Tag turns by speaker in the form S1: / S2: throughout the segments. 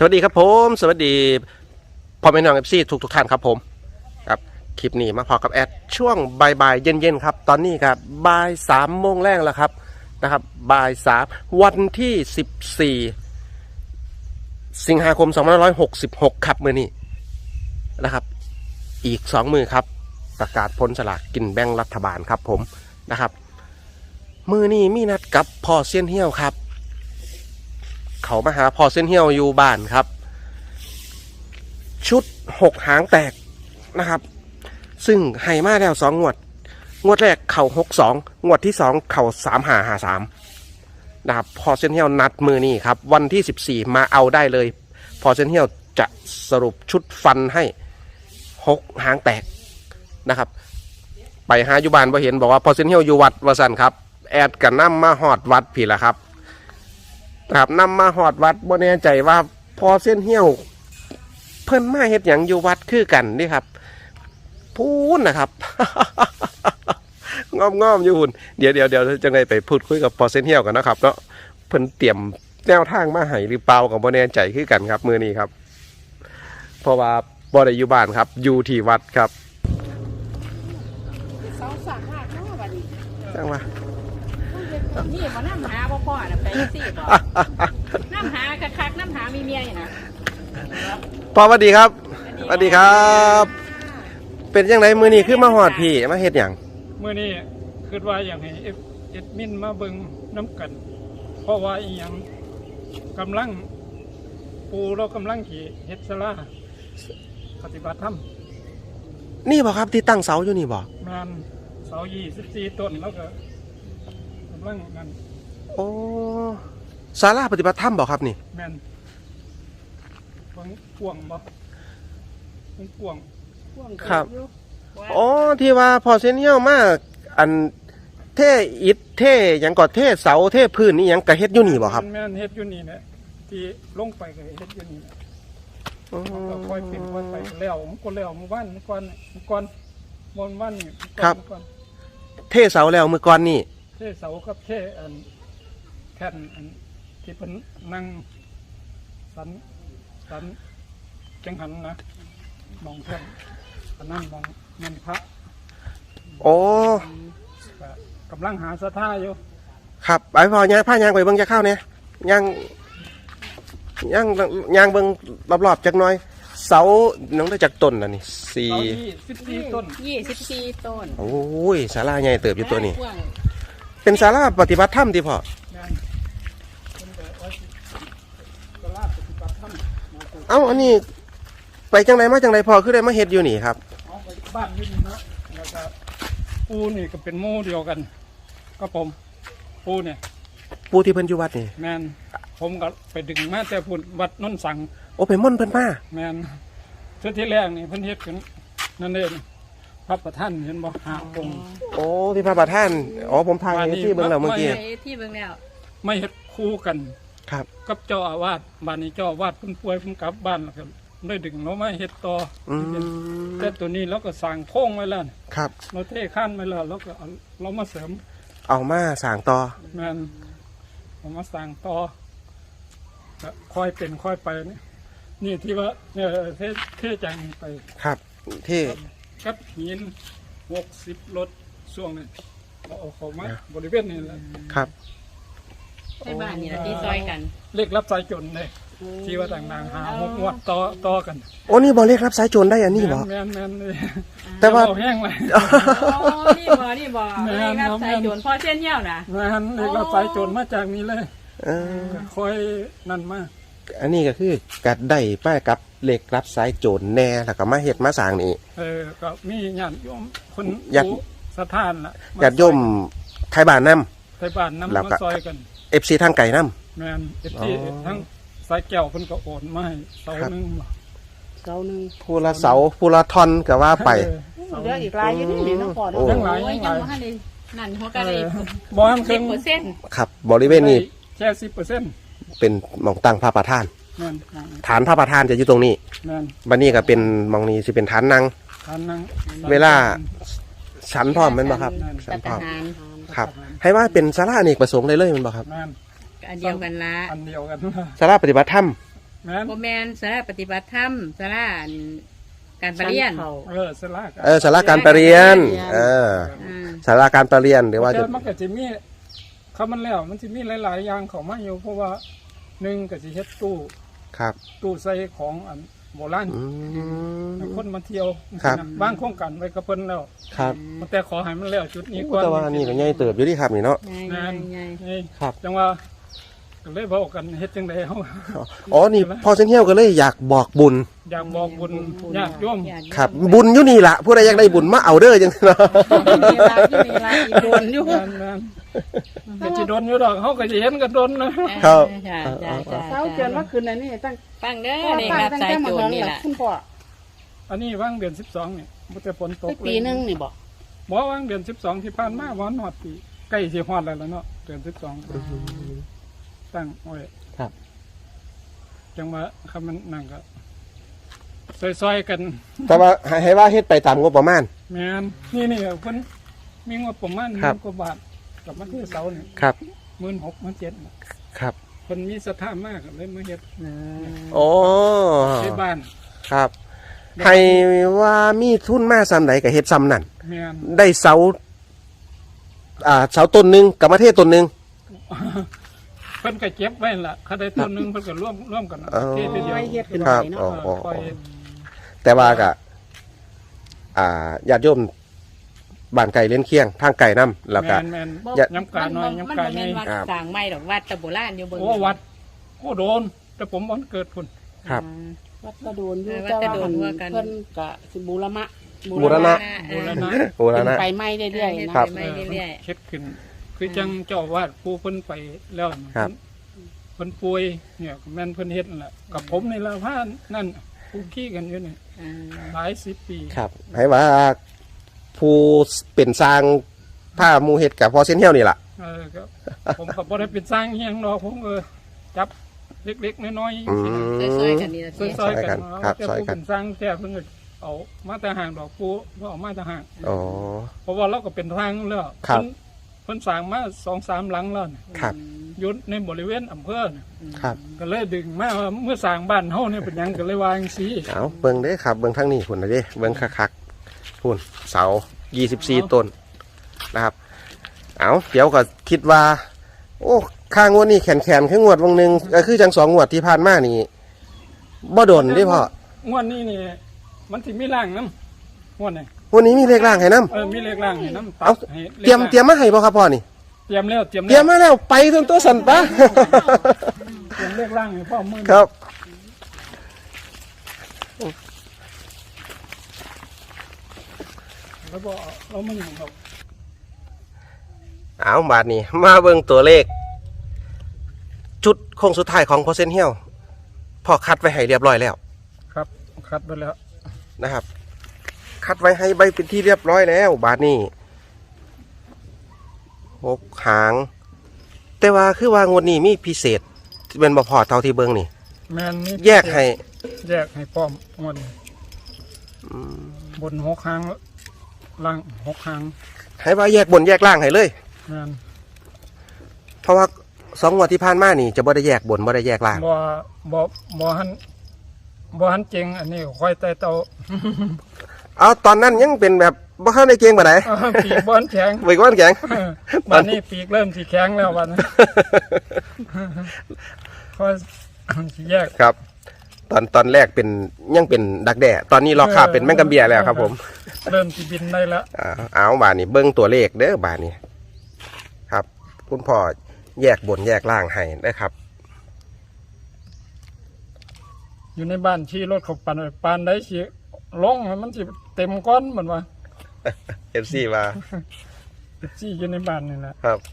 S1: วัสดีครับผมสวัสดีพ่อแม่น้องFCทุกท่านครับผมครับคลิปนี้มาพอกับแอดช่วงบ่ายเย็นครับตอนนี้ครับบ่าย3 โมงแรกแล้วครับนะครับบ่าย3วันที่14 สิงหาคม2566ครับมื้อนี้นะครับอีก2 มือครับประกาศผลสลากกินแบ่งรัฐบาลครับผมนะครับมื้อนี้มีนัดกับพ่อเซียนเหี้ยวครับเขามาหาพ่อเส้นเหี้ยวอยู่บ้านครับชุด6 หางแตกนะครับซึ่งให้มาแล้ว2 งวดแรกเข่า62งวดที่2เข่า3553นะครับพ่อเส้นเหี้ยวนัดมือนี่ครับวันที่14มาเอาได้เลยพ่อเส้นเหี้ยวจะสรุปชุดฟันให้6 หางแตกนะครับไปหาอยู่บ้านบ่เห็นบอกว่าพ่อเส้นเหี้ยวอยู่วัดวสันครับแอดกันนำมาหอดวัดพี่ละครับครับนำมาหอดวัดบ่แน่ใจว่าพอเส้นเหี้ยวเพิ่นมาเฮ็ดหยังอยู่วัดคือกันนี่ครับพูนนะครับ งอมอยู่หุ่นเดี๋ยวจังไดไปพูดคุยกับพอเส้นเหี้ยวกันนะครับเนาะเพิ่นเตรียมแนวทางมาให้หรือเปล่าก็บ่แน่ใจคือกันครับมื้อนี้ครับเพราะว่าบ่ได้อยู่บ้านครับอยู่ที่วัดครับจังว่า
S2: นี่มาน้ำหาพ่อน่ะไปสิบ่น้ำหาคักน้ำหามีเมียอยู่นะ
S1: พ่อสวัสดีครับสวัสดีครับเป็นยังไงมื้อนี้คือมาหอดพี่มาเฮ็ดหยัง
S3: มื้อนี้คิดว่าอย่างให้เอ็ดมินมาเบิ่งน้ำกันเพราะว่าอีหยังกำลังปูเรากำลังขี่เฮ็ดศาลาปฏิบัติธรรม
S1: นี่บ่ครับที่ตั้งเสาอยู่นี่บ่
S3: งานเสา24 ต้นแล้วก็กำลังนั่น
S1: โอ้ศาลาปฏิบัติธรรมบ่ครับนี่
S3: แม่นฟังกวางบ่ฟังกวาง
S1: ครับอ๋อที่ว่าพอเส้นเหี้ยวมาอันเท่อิฐเท่หยังก็เท่เสาเท่พื้นนี่หยังก็เฮ็ดอยู่นี่บ่ครับ
S3: แม่นเฮ็ดอยู่นี่แหละที่ลงไปก็เฮ็ดอยู่นี่แหละก็ค่อยเป็นค่อยไปแล้วมันก็แล้วมื้อวันก่อนวันนี่
S1: ครับเท่เสาแล้วมื้อก่อนนี่
S3: เท่เสากับเท่อันแท่นอันที่เป็นนั่งสันจังหันนะมองแท่นอันนั้นมองเงินพระ
S1: โอ้
S3: กำลังหาสถาอยู่
S1: ครับไปพอย่างผ้ายางไปเบิ่งจะเข้าเนี่ยย่างเบิ่งรอบๆจักหน่อยเสาน้องได้จากต้นน่ะนี่
S3: 24 ต้น
S2: 24 ต้น
S1: โอ้ยศาลาใหญ่เติบอยู่ตัวนี้เป็นศาลาปฏิบัติธรรมที่พ่อเอ้าอันนี้ไปจังไรมาจังไรพอคือได้มาเฮ็ดอยู่นี่ครับ
S3: บ้านอยู่นี่นะแล้วก็ปูนี่ก็เป็นหมู่เดียวกันก็ผมปูเนี่ย
S1: ปูที่เพิ่นอยู่วัดนี่
S3: แมนผมก็ไปดึงมาแต่พุ่นวัดนนสัง
S1: โอ้ไปม่อนเพิ่นมา
S3: แมนชุดที่แรกนี่เพิ่นเฮ็ดกันนั่นเองพระประธานเห็นบ่5 องค์
S1: โอ้ที่พระประธานอ๋อผมทายที่เบิ่งแล้วเมื่อกี้
S2: ที่เบิ่งแล้ว
S3: ไม่เฮ็ดคู่กัน
S1: ครับ
S3: กับเจ้าอาวาสบ้านนี้เจ้าอาวาสเพิ่นป่วยเพิ่นกลับบ้านแล้วก็ได้ดึงเรามาเฮ็ดต่อแต่ตัวนี้เราก็สร้างโค้งไว้แล้ว
S1: ครับ
S3: เราเทข้านไว้แล้วเราก็เรามาเสริม
S1: เอามาสร้างต่อ
S3: แม่นเอามาสร้างต่อค่อยเป็นค่อยไปนี่ที่ว่าเทจังไป
S1: ครับเท
S3: กับหิน60 รถช่วงนี้เอาเข้ามาบริเวณนี้แหละ
S1: ครับ
S2: ในบ้านนี่ล่ะที่ซอยกัน
S3: เลขรับสายจนเลยที่ว่าต่างๆหา6 งวดต่อกัน
S1: โอ้นี่บ่เรียกรับสายโจรได้อันนี้บ่
S3: แม่นเลย
S1: แต่ว่า
S3: แห้งเลย
S2: อ๋อนี่บ่เรียกรับสายโจรพ่อเส้นเหี้ยวนะ
S3: แม่นเลขรับสายโจรมาจากนี้เลยค่อยนั่นมา
S1: อันนี้ก็คือกัดได้ป้ายกับเหล็กรับสายโจรแน่แล้วก็มาเฮ็ดมาสร้างนี่
S3: ก็มีญาติโยมคนสถานล่ะ
S1: ญาติโยมไทยบ้านนำ
S3: มาซอยกัน
S1: FC ทางไก่นำ
S3: แม่น FC ทั้งสายแก้วเพิ่นก็โอนมาให้เสานึง
S1: ผู้ละเสาผู้ละท่อนก็ว่าไป
S2: เหลืออีกหลายอยู่นี่เนาะพ่อ
S3: ยังหลาย
S2: นั่นหัวกะเลย
S3: บ่ทันครึ่ง
S1: ครับบริเวณนี้
S3: แค่ 10%
S1: เป็นหม่องตั้งพระประธานฐานพระประธานจะอยู่ตรงนี้บัดนี้ก็เป็นหม่องนี้สิเป็นฐานนั่งเวลาชั้นพร้อมแม่นบ่ครับชั้นพร้อมครับให้ว่าเป็นศาลาอเนกประสงค์เลยแม่นบ่ครับ
S2: อันเดียวกันละ
S3: อันเดียวกัน
S1: ศาลาปฏิบัติธรรม
S3: แม่น
S2: โมแมนสาราปฏิบัติธรรมสาราการประเรียน
S3: สลาก
S1: ศาลาการประเรียนศาลาการประเรียนหรือว่า
S3: แต่
S1: จะ
S3: มันก็จะมีเขามันแล้วมันจะมีหลายๆอย่างเข้ามาอยู่เพราะว่าหนึ่งก็สิเฮ็ดตู้
S1: ครับ
S3: ตู้ใส่ของอันโบราณ
S1: อืม
S3: คนมาเที่ยว
S1: ครับ
S3: บางโครงการไว้กับเพิ่นแล้ว
S1: ครับ
S3: แต่ขอให้มันแล้วจุดนี้ก่อน
S1: แต่ว่านี่ก็ใหญ่เติบอยู่ที่ครับนี่เนาะ
S3: งาน
S2: ใหญ่
S3: นี่
S1: ครับ
S3: จังว่าก็เลยบอกกันเฮ็ดจังได๋เฮา
S1: อ๋อนี่พอเส้นเที่ยวก็เลยอยากบอกบุญ
S3: อยากบอกบุญญาติโยม
S1: ครับ บุญอยู่นี่ล่ะผู้ใดอยากได้บุญมาเอาเด้อจังเนาะ
S2: มีลาที่มีลาอีโดนอยู่
S3: งานก็สิโดนอยู่ดอกเฮาก็สิเห็นกันโดนนะ
S1: ครับ
S2: จ้าจ้าจ้า
S4: เช้าเกินว่าคืนนั้นนี่ตั้ง
S2: ฟังเด้อ
S4: พ่อ
S2: นี่
S4: ป้า
S2: ครับ
S4: ตั้ง
S2: สาย
S4: แต่มา
S2: โจ
S4: ห
S2: ร
S4: อง
S2: นี่
S4: หลั
S2: ล่ะ
S4: คุณพ่อ
S3: อันนี้ว่างเดือน12นี่บ่แต่ฝนตก
S4: ไปปีนึงนี่บอก
S3: บ่ว่างเดือน12ที่ผ่านมาบ่ฮอดปีใกล้สิฮอดแล้วล่ะเนาะเดือน12ตั้งไว้
S1: ครับ
S3: จังว่าคำมันนั่นก็ซอยๆกัน
S1: แต่ว่าให้ว่าเฮ็ดไปตามงบประมาณ
S3: แม่นนี่เพิ่นมีงบประมาณ
S1: ครับ
S3: 10,000 กว่าบาทกับมาที่เสานี่
S1: ครับ
S3: 16,000 17,000
S1: ครับ
S3: เพิ่นมีศรัทธามากเลยมาเฮ็ด
S1: โอ้
S3: ในบ้าน
S1: ครับ ให้ว่ามีทุนมาซ้ำใดก็เฮ็ดซ้ำนั่น
S3: แม่น
S1: ได้เสาเสาต้นหนึงกับมะเทศต้นหนึง
S3: เพิ่นก็เก็บไว้ล่ะคันใดต้นหนึงเพิ่นก็ร่วมกัน
S1: อ๋อ
S3: เทศเดียว
S4: ไว้เฮ็ดขึ้น
S1: ค
S4: ไป
S1: รับ
S4: เนาะ
S3: ปล่อย
S1: แต่ว่าก็ญาติโยมบ้านไก่เล่นเคียงทางไก่น้ำแล้วก็
S3: แม่น
S1: อย่า
S3: ย้ำกาน้อยย้ำกา
S2: มัน
S3: ใหญ่
S2: เป็นวัดสร้างใหม่ดอกวัดตะโบราณอยู่บน
S3: โอ้วัดโอ้โดน แต่ผมบ่เกิดพุ่น
S1: ครับ
S4: วัดกระโดนอยู่
S2: วัด
S4: แต่
S2: กระ
S4: ว่า
S2: โดน
S4: เพิ่
S2: ว่ากัน
S4: นก็สิบูรณะ
S1: บูรณะ
S3: บูรณะ
S1: โอ้แล้วนะ
S4: ไปไหม้เรื่อยๆ
S1: ครั
S4: นะ
S1: บ
S2: ไม่เรื่อย
S3: เฮ็ดขึ้น คือจังเจ้าอาวาดผู้เพิ่นไปแล้วน่ะ
S1: ครับ
S3: เพิ่นป่วยเนี่ยแม่นเพิ่นเฮ็ดนั่นแหละกับผมนี่ละพานั่นผู้ขี้กันอยู่นี่
S2: ๆอ่า
S3: หลายสิบปี
S1: ครับให้ว่าผู้เป็นสร้างผ้าหมูเห็ดกับพอเส้นเที่ยวนี่ล่ะ
S3: ก็ผมก็บ่ได้เป็นสร้างอิหยังดอกผมจับเล็กๆน้อยๆ
S1: อืม
S2: ซอยๆกันนี่ละ
S3: ซ
S2: สิ
S3: อยๆกัน
S1: ครับ
S3: แต่
S1: ซอย
S3: ผู้
S1: กัน
S3: เป็นสร้างแท้เพิ่นก็เอามาแต่ห่างดอกผู้บ่เอามาแต่ห่าง
S1: อ๋อ
S3: เพราะว่าเราก็เป็นทางแล้ว
S1: ครับ
S3: เพิ่นสร้างมา 2-3 หลังแล้วน่ะ
S1: ครับ
S3: อยู่ในบริเวณอำเภอน่ะ
S1: ครับ
S3: ก็เลยดึงมาว่าเมื่อสร้างบ้านเฮาเนี่ยเป็นหยังก็เลยวาจังซี่
S1: เอาเบิ่งเด้อครับเบิ่งทางนี้พุ่นนะเด้เบิ่งคักๆพุ่นเสา24 ต้นนะครับเอาเดี๋ยวก็คิดว่า โอ้ค่างวดนี่แขนคืองวดวงหนึงก็คือจัง2งวดที่ผ่านมานี่บ่โดนเด้พ่อง
S3: วดนี้นี่มันสิมีร่างนำงวดนี้
S1: วันนี้มีเลขล่างให้นํ
S3: มีเลขร่างให้นำ
S1: เอาเตรียมมาให้บ่ครับพ่อนี่
S3: เตรียมแล้ว
S1: เตรียมมาแล้วไปจนตัวสั่นปะ
S3: เตรียมเลขร่างให้พ่อมือ
S1: ครับ
S3: แล้วบ่เราไม่อยู่ครับ
S1: เอาบาทนี้มาเบิ่งตัวเลข จุดโค้งสุดท้ายของพอเซนเฮียวพอคัดไว้ให้เรียบร้อยแล้ว
S3: ครับคัดไปแล้ว
S1: นะครับ คัดไว้ให้ใบเป็นที่เรียบร้อยแล้ว บาทนี้6 หาง แต่ว่าคือว่างวดนี้มีพิเศษเป็นบ่พอเท่าที่เบิ่งนี่
S3: แม่นนี่
S1: แยกให้
S3: แยกให้พร้อมงวดนี้บน6ครั้งล่าง6ครั้ง
S1: ให้ว่าแยกบนแยกล่างให้เลย
S3: แม่น
S1: เพราะว่า2 งวดที่ผ่านมานี่จะบ่ได้แยกบนบ่ได้แยกล่าง
S3: บ่หันเจงอันนี้ค่อยแต่เตา
S1: เอาตอนนั้นยังเป็นแบบบ่เข้าในเกงปานใด
S3: ปีกบ่หันแข็ง
S1: เบิกวันแข็ง
S3: วันนี้ปีกเริ่มสิแข็งแล้ววันนี้ค่อยสิแยก
S1: ครับ ตอนแรกเป็นยังเป็นดักแด่ตอนนี้รอคาบเป็นแมงกะเบียแล้วครับผม
S3: เริ่มสิบินได้แล้ว
S1: เอาบาทนี้เบิ้งตัวเลขเด้อบาทนี้ครับ คุณพ่อแยกบนแยกล่างให้นะครับ
S3: อยู่ในบ้านชี้รถเขาปั่นปานได้สิลงมันสิเต็มก้อนเหมือนว่า
S1: FC มา
S3: ชี้อยู่ในบ้านนี่แหละ
S1: ครับ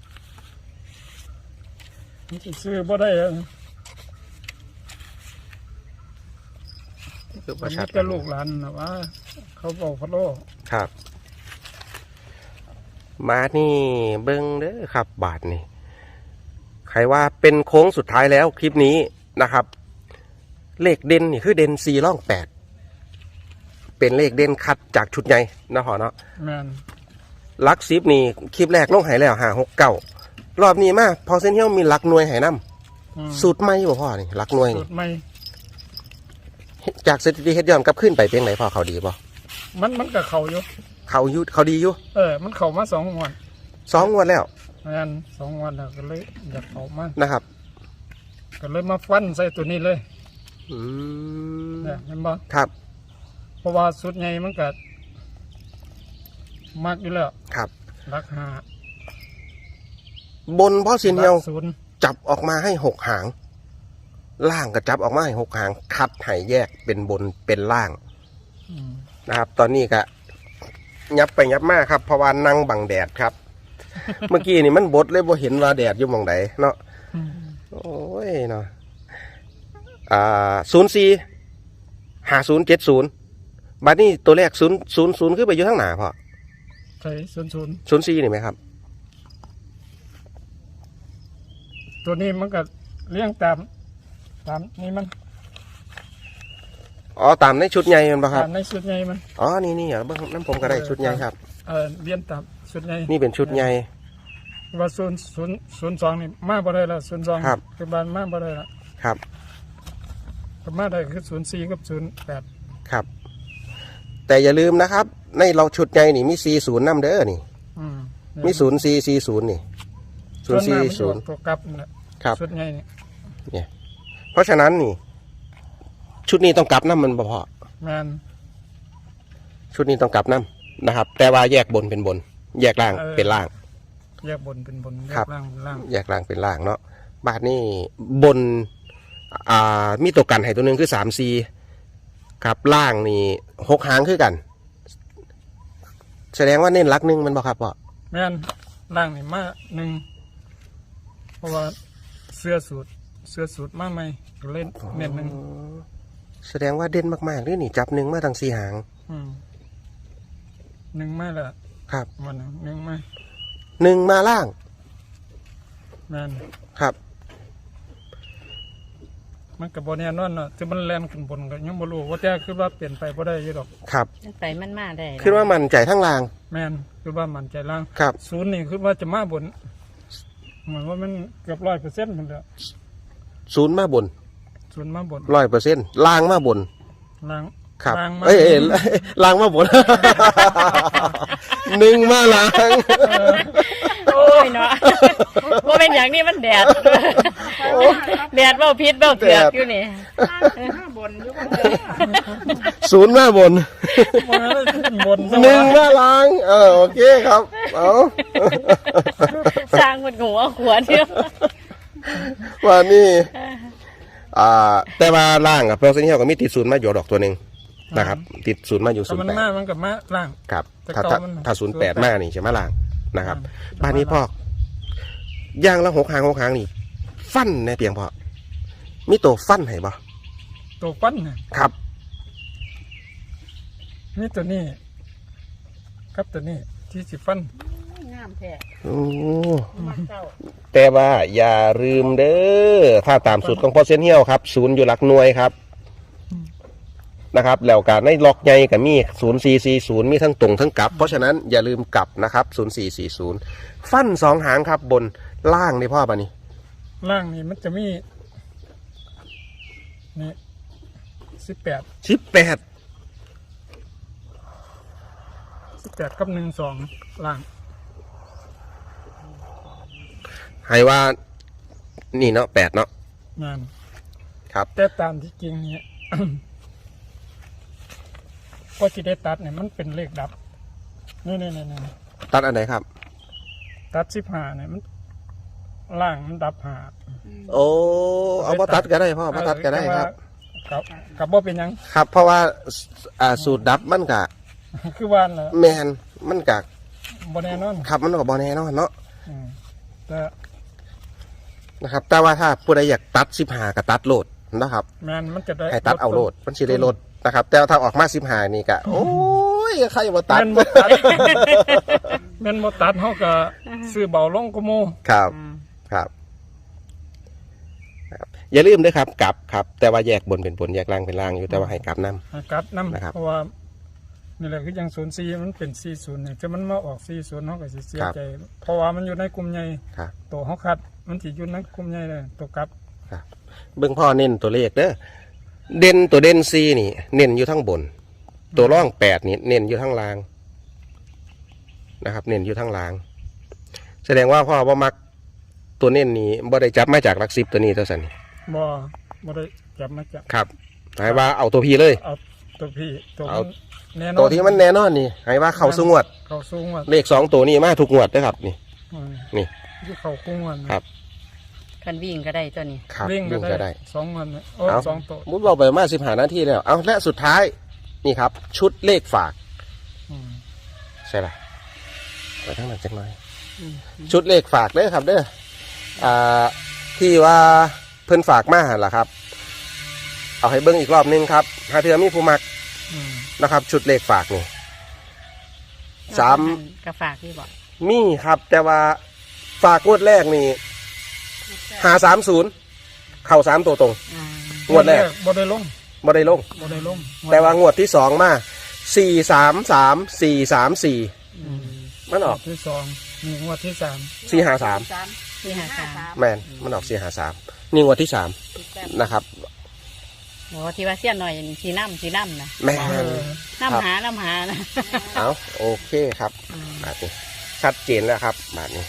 S3: มันสิซื้อบ่ได้อะ
S1: คือป
S3: มั
S1: ระ
S3: น
S1: ชัด
S3: ก็ลูกหลานนะว่า เขาบอกพะโล
S1: ครับ มานี่เบิ้งเด้อครับ บาทนี้ใครว่าเป็นโค้งสุดท้ายแล้วคลิปนี้นะครับ เลขเด่นนี่คือเด่น4ร่อง8เป็นเลขเด่นคัดจากชุดใหญ่นะหอเนาะ
S3: แม่น
S1: ลัก10นี่คลิปแรกลงใหายแล้ว5 6 9รอบนี้มาพอเส้นเที่ยวมีลักหน่วยใหายน้สูตรใหม่บ่พ่อนี่หลักหน่วย
S3: สู
S1: นี่
S3: ตรใหม่
S1: จากสถิติเฮ็ดย้อนกลับขึ้นไปเป็นไหนพ่อเขาดีบ่
S3: มันก็เข้าอยู่
S1: เขาดีอยู่
S3: มันเข้ามา2 งวด
S1: 2 งวดแล้ว
S3: งาน2 งวดแล้วก็เลยอยากเข้ามา
S1: นะครับ
S3: ก็เลยมาฟันใส่ตัวนี้เลย
S1: อืม
S3: เนี่ยเห็นบ่
S1: ครับ
S3: เพราะว่าสุดใหญ่มันก็มักอยู่แล้ว
S1: ครับ
S3: รักหา
S1: บนพ่อเซียนเฮียว
S3: รักศูนย์
S1: จับออกมาให้6 หาง ล่างก็จับออกมาให้6 หาง คัดให้แยกเป็นบนเป็นล่าง
S3: อืม
S1: นะครับ ตอนนี้ก็ยับไปยับมาครับเพราะว่านั่งบังแดดครับ เมื่อกี้นี่มันบดเลยบ่เห็นว่าแดดอยู่หมองใดเนาะ
S3: อืม
S1: โอ้ยเนาะ045070บัดนี้ตัวแรก000คือไปอยู่ทางหน้าพ่อ
S3: ใช่ศูนย์
S1: 04นี่ไหมครับ
S3: ตัวนี้มันก็เลี้ยงตามนี่มัน
S1: อ๋อตามในชุดใหญ่มันปะครับ
S3: ตามในชุดใหญ่มัน
S1: อ๋อนี่เบิ่งน้ำผมก็ได้ชุดใหญ่ครับ
S3: เลี้ยงตามชุดใหญ่
S1: นี่เป็นชุดใหญ่
S3: ว่า02นี่มาบ่ได้แล้ว02
S1: ครับ
S3: คือบ้านมาบ่ได้แล้ว
S1: ครับ
S3: ก็มาได้คือ04กับ08
S1: ครับ แต่อย่าลืมนะครับ ในเราชุดใหญ่นี่มี40นำเด้อนี่
S3: อืม
S1: มี0440นี่
S3: ส่วนมากมันอยู่
S1: 040
S3: ตัวกลับนั่นแหละ
S1: ครับ
S3: ชุดใหญ่นี่
S1: เนี่ยเพราะฉะนั้นนี่ ชุดนี้ต้องกลับน้ำมันบ่พอ
S3: แม่น
S1: ชุดนี้ต้องกลับน้ำนะครับ แต่ว่าแยกบนเป็นบน แยกล่างเป็นล่าง
S3: แยกบนเป็นบนแย
S1: ครับ
S3: กล่างเป็นล่าง
S1: แยกล่างเป็นล่างเนาะบาทนี่บนมีตัวกันให้ตัวหนึงคือ3-4ครับล่างนี่6 หางคือกัน แสดงว่าเน้นรักหนึ่งมันบ่ครับพ่อ
S3: แม่นล่างนี่มาหนึ่งเพราะว่าเสื้อสูตรมาใหม่ก็เล่นเน้นหนึ่ง
S1: แสดงว่าเด่นมากๆเลยนี่จับหนึ่งมาทั้ง4 หาง
S3: หนึ่งมาและ
S1: ครับ
S3: วันหนึ่งมา
S1: 1มาล่าง
S3: แม่น
S1: ครับ
S3: มันกับบอแน่นอนเนาะที่มันแล่นขึ้นบนก็ยังบ่รู้ว่าแต่คือว่าเปลี่ยนไปบ่ได้อยี่ดอก
S1: ครับ
S2: ไปมันมาได้
S1: คิดว่ามันใจทั้งล่าง
S3: แม่นคือว่ามันใจล่าง
S1: ครับ
S3: ศูนย์นี่คือว่าจะมาบนเหมือนว่ามันเกือบ100%มันแล้ว
S1: 0มาบน
S3: ศูนย์มาบน
S1: 100%ล่างมาบน
S3: ล่าง
S1: ครับ
S3: ล่างมา
S1: ล้างมาบน 1มาล้าง
S2: โอ้ยเนาะว่าเป็นอย่างนี้มันแดดแดดเบ้าพิษเบ้าเถือกอยู่นี่
S4: บนอยู่
S1: 0มาบน
S3: มาเลยขึ้นบน
S1: 1มาล้างโอเคครับเอา
S2: สร้างมันหัวขวดเดียว
S1: ว่านี่แต่ว่าล่างกับเพลเซนเฮียก็มีติด0มาอยู่ดอกตัวหนึ่งนะครับ ติด0มาอยู่
S3: แต่มันมามันกับมาล่าง
S1: ครับ
S3: แต่
S1: ถ้า
S3: เก่ามัน
S1: 08มานี่ใช่ไหมล่างนะครับ
S3: อืม
S1: บ้านนี้พ่อย่างละ6 หางนี่ ฟันในเพียงพอมีตัวฟันให้บ่
S3: ตัวปั้นเนี่ย
S1: ครับ
S3: นี่ตัวนี้ครับตัวนี้ที่สิฟัน
S2: งามแท้
S1: โอ้
S2: มาเจ้า
S1: แต่ว่าอย่าลืมเด้อถ้าตามสูตรของพ่อเซนเฮียวครับ0อยู่หลักหน่วยครับนะครับแล้วการในล็อกใหญ่กับมี0440มีทั้งตรงทั้งกลับ เพราะฉะนั้นอย่าลืมกลับนะครับ0440ฟัน2 หางครับบนล่างนี่พ่อปะนี่
S3: ล่างนี่มันจะมีนี่18
S1: 18
S3: กับ12ล่าง
S1: ให้ว่านี่เนาะ8เนาะ
S3: งาน
S1: ครับ
S3: แต่ตามที่จริงเนี่ย ก็ที่ได้ตัดเนี่ยมันเป็นเลขดับนี่
S1: ตัดอันไหนครับ
S3: ตัด15เนี่ยมันล่างมันดับ5
S1: โอ้เอามาตัดก็ได้พ่อมาตัดก็ได้ครับ
S3: กับบ่เป็นหยัง
S1: ครับ เพราะว่าสูตรดับมันกะ
S3: คือว่านแหละ
S1: แมนมันกะ
S3: บ่แน่นอน
S1: ครับมันก็บอแน่เนาะเนาะ
S3: อืมแต่
S1: นะครับ แต่ว่าถ้าผู้ใดอยากตัด15ก็ตัดโหลดนะครับ
S3: แมนมันจะได้
S1: ให้ตัดเอาโหลดมันสิได้โหลดนะครับ แต่ถ้าออกมา15นี่ก็โอ้ยใครมาตัด
S3: แม่นบ่ตัด แม่นบ่ตัดเฮาก็ซื้อเบาลงก็โม
S1: ครับครับครับ อย่าลืมด้วยครับกลับครับ แต่ว่าแยกบนเป็นบนแยกล่างเป็นล่างอยู่แต่ว่าให้กลับน้
S3: ให้กลับนำ
S1: นะครับ
S3: เพราะว่านี่แหละคือยัง04มันเป็น40เนี่ยถ้ามันมาออก40เฮาก็สิเสียใจ เพราะว่ามันอยู่ในกลุ่มใหญ่
S1: ำครับ
S3: ตัวเฮาคัดมันสิอยู่ในกลุ่มใหญ่เลยตัวกลับ
S1: เบิ่งพ่อเน้นตัวเลขเด้อเด่นตัวเด่นซีนี่ เน้นอยู่ทั้งบน ตัวร่อง8นี่เน้นอยู่ทั้งล่างนะครับ เน้นอยู่ทั้งล่าง แสดงว่าพ่อบ่มักตัวเน้นนี้บ่ได้จับมาจากหลัก10ตัวนี้ตัวสันนี่
S3: บ่ได้จับมาจับ
S1: ครับหมายว่าเอาตัวพี่เลย
S3: เอาตัวพี่ตัว
S1: เอา
S3: แน่นอน
S1: ตัวที่มันแน่นอนนี่หมายว่าเข้าสู่งวด
S3: เขาสูงว่า
S1: เลข2ตัวนี้มาทุกงวดเด้อครับนี่ นี่
S3: ที่เขาคุ้งวันนะครับ
S2: คันวิ่งก็ได้ตัวนี้
S1: ครับ
S3: วิ่ง
S1: วิ่ง
S3: ก็
S1: ก็
S3: ได้
S1: ได้
S3: 2 วันเนี่ยโอ้
S1: เอา
S3: 2ตัว
S1: มุดบอกไปมา15นาทีแล้วเอาและสุดท้ายนี่ครับ ชุดเลขฝาก
S3: อืม
S1: ใช่ป่ะไปทั้งนั้นจังหน่อย ชุดเลขฝากเด้อครับเด้อที่ว่าเพิ่นฝากมาหั่นล่ะครับ เอาให้เบิ้งอีกรอบนึงครับหาเทือมีผู้มัก
S3: อืม
S1: นะครับ ชุดเลขฝากนี่
S2: กระฝากที่บอก
S1: มีครับ แต่ว่าฝากงวดแรกนี่530เข้า3ตัวตรง งวดแรก
S3: บ่ได้ลง
S1: บ่ได้ลง
S3: บ่ได้ลง
S1: แต่ว่างวดที่2มา433 434มันออก
S3: ที่สองนี่งวดที่สาม
S1: 453
S2: ที่หาสาม
S1: แม่นมันออก453นี่งวดที่3นะครับ
S2: โอ้ที่ว่าเสี้ยนหน่อยสีน้ำนะ
S1: แม่น
S2: น้ำหานะ
S1: เอาโอเคครับบาทนี้ชัดเจนแล้วครับบาทนี้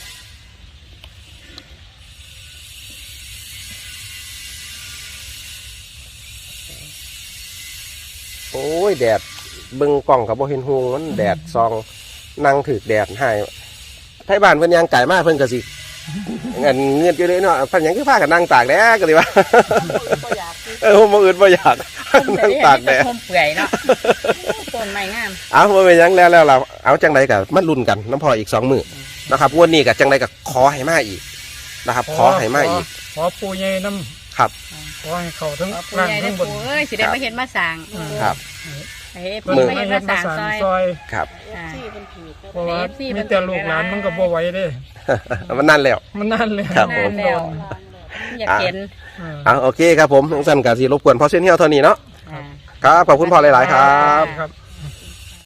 S1: โอ้ยแดดเบิ่งกล้องกับบ่เห็นหงมันแดดซองนั่งถือแดดให้ไทบ้านเพิ่นยางไก่มากเพิ่นก็สิเงินอยู่เลยเนาะเพิ่นหยังคือพากันนั่งตากแดดก็ดีว่าผมบ่อื่นบ่อยากนั่งตากแดด
S2: ต้นเปื่อยเนาะต้นไม้งาม
S1: เอาบ่เป็นหยังแล้วเราเอาจังไดก็มาลุ้นกันน้ำพออีก2มื้อนะครับงวดนี้ก็จังไดก็ขอให้มาอีกนะครับ ขอให้มาอีก
S3: ขอปูใหญ่น้
S1: ครับ
S3: ำขอให้เขาทั้ง
S2: ปู
S3: ล่าง
S2: ใหญ่ได้
S3: ทั้งบน
S2: ปูเอ้ยสิได้มาเห็นมาสั่ง
S1: ครับ
S2: เฮ้ย
S3: เพิ่น
S2: ปู
S3: มา
S2: มาเห็น
S3: เฮ็
S2: มา
S3: ดมา
S2: สั่ง
S3: สาน
S2: ซอย
S3: ซอย
S1: ครับ
S4: ที่เป็นผีก็
S3: เพราะว่า
S2: AFC
S3: มีแต่ลูกหลานมันก็บ่ไหวเด้
S1: มันนั่นแล้ว
S3: มันนั่นเลย
S1: ครับผม
S2: นั่นแล้วอยากเห็น
S1: เอาโอเคครับผมทั้งสั้นกับสีรบกวนพอเส้นเที่ยวเท่านี้เนาะ
S2: อ่า
S1: ครับขอบคุณพ่อหลาย ๆ ครับ
S3: ครับ